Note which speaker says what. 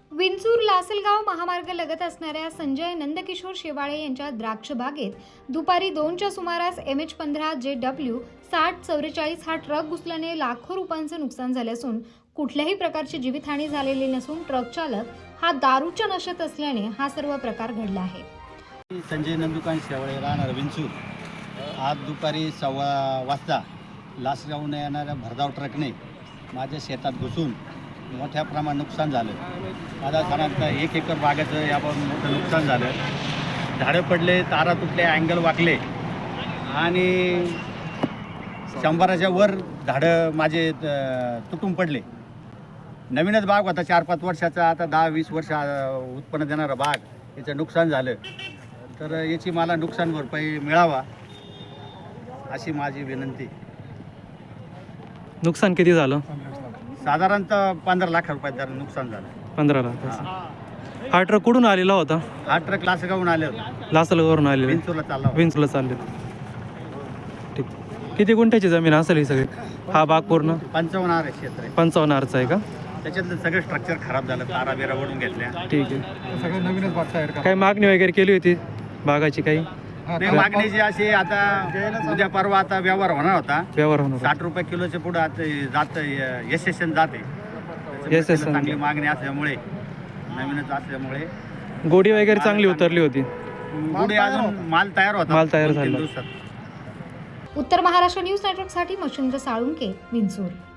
Speaker 1: विंचूर लासलगाव महामार्ग लगत असणाऱ्या संजय नंदकिशोर शेवाळे यांच्या द्राक्ष बागेत दुपारी 2च्या सुमारास MH15 JW 6044 हा ट्रक घुसल्याने लाखो रुपयांचे नुकसान झाले असून कुठल्याही प्रकारची जीवितहानी झालेली नसून ट्रक चालक हा दारूच्या नशेत असल्याने हा सर्व प्रकार घडला आहे।
Speaker 2: संजय नंदुकान शेवाळे राहणार विंचूर आज दुपारी 1:15 वाजता लासलगावने येणाऱ्या भरधाव ट्रकने माझ्या शेतात घुसून मोठ्या प्रमाणात नुकसान झालं। माझा साधारणतः 1 एकर बागेचं याबाबत मोठं नुकसान झालं। झाडं पडले, तारा तुटले, अँगल वाकले आणि 100च्या वर झाडं माझे तुटून पडले। नवीनच बाग होता, 4-5 वर्षाचा, आता 10-20 वर्ष उत्पन्न देणारा बाग, याचं नुकसान झालं। तर याची मला नुकसान भरपाई मिळावा अशी माझी विनंती।
Speaker 3: नुकसान किती झालं?
Speaker 2: साधारणतः 15 लाख रुपयाचं नुकसान झालं।
Speaker 3: 15 लाख। हा ट्रक कुठून आलेला होता?
Speaker 2: हा ट्रक लासलगावहून आले होते,
Speaker 3: लासलगावरून आलेला,
Speaker 2: विंचूरला चालला होता।
Speaker 3: विंचूरला चालले। ठीक, किती गुंठ्याची जमीन असेल ही सगळी? हा बाग पूर्ण
Speaker 2: 55 आर क्षेत्र आहे।
Speaker 3: 55 आरचा आहे का?
Speaker 2: त्याच्यातलं सगळं स्ट्रक्चर खराब झालं, तारा बिरा ओढून घेतल्या।
Speaker 3: ठीक आहे।
Speaker 4: सगळं नवीनच बाग तयार करा।
Speaker 3: काही मागणी वगैरे केली होती बागाची? काही
Speaker 2: नाही, मागणीची अशी आता उद्या परवा आता व्यवहार होणार होता।
Speaker 3: व्यवहार होणार?
Speaker 2: 60 रुपये किलोच्या पुढे आता जात यशस्वी जाते।
Speaker 3: यशस्वी
Speaker 2: चांगली मागणी असल्यामुळे, नवीनच असल्यामुळे
Speaker 3: गोडी वगैरे चांगली उतरली होती?
Speaker 2: पुढे अजून माल तयार होता,
Speaker 3: माल तयार
Speaker 2: 2-3
Speaker 3: झाला।
Speaker 2: दिवसात।
Speaker 1: उत्तर महाराष्ट्र न्यूज नेटवर्कसाठी मच्छिंद्र साळुंके, विंचूर।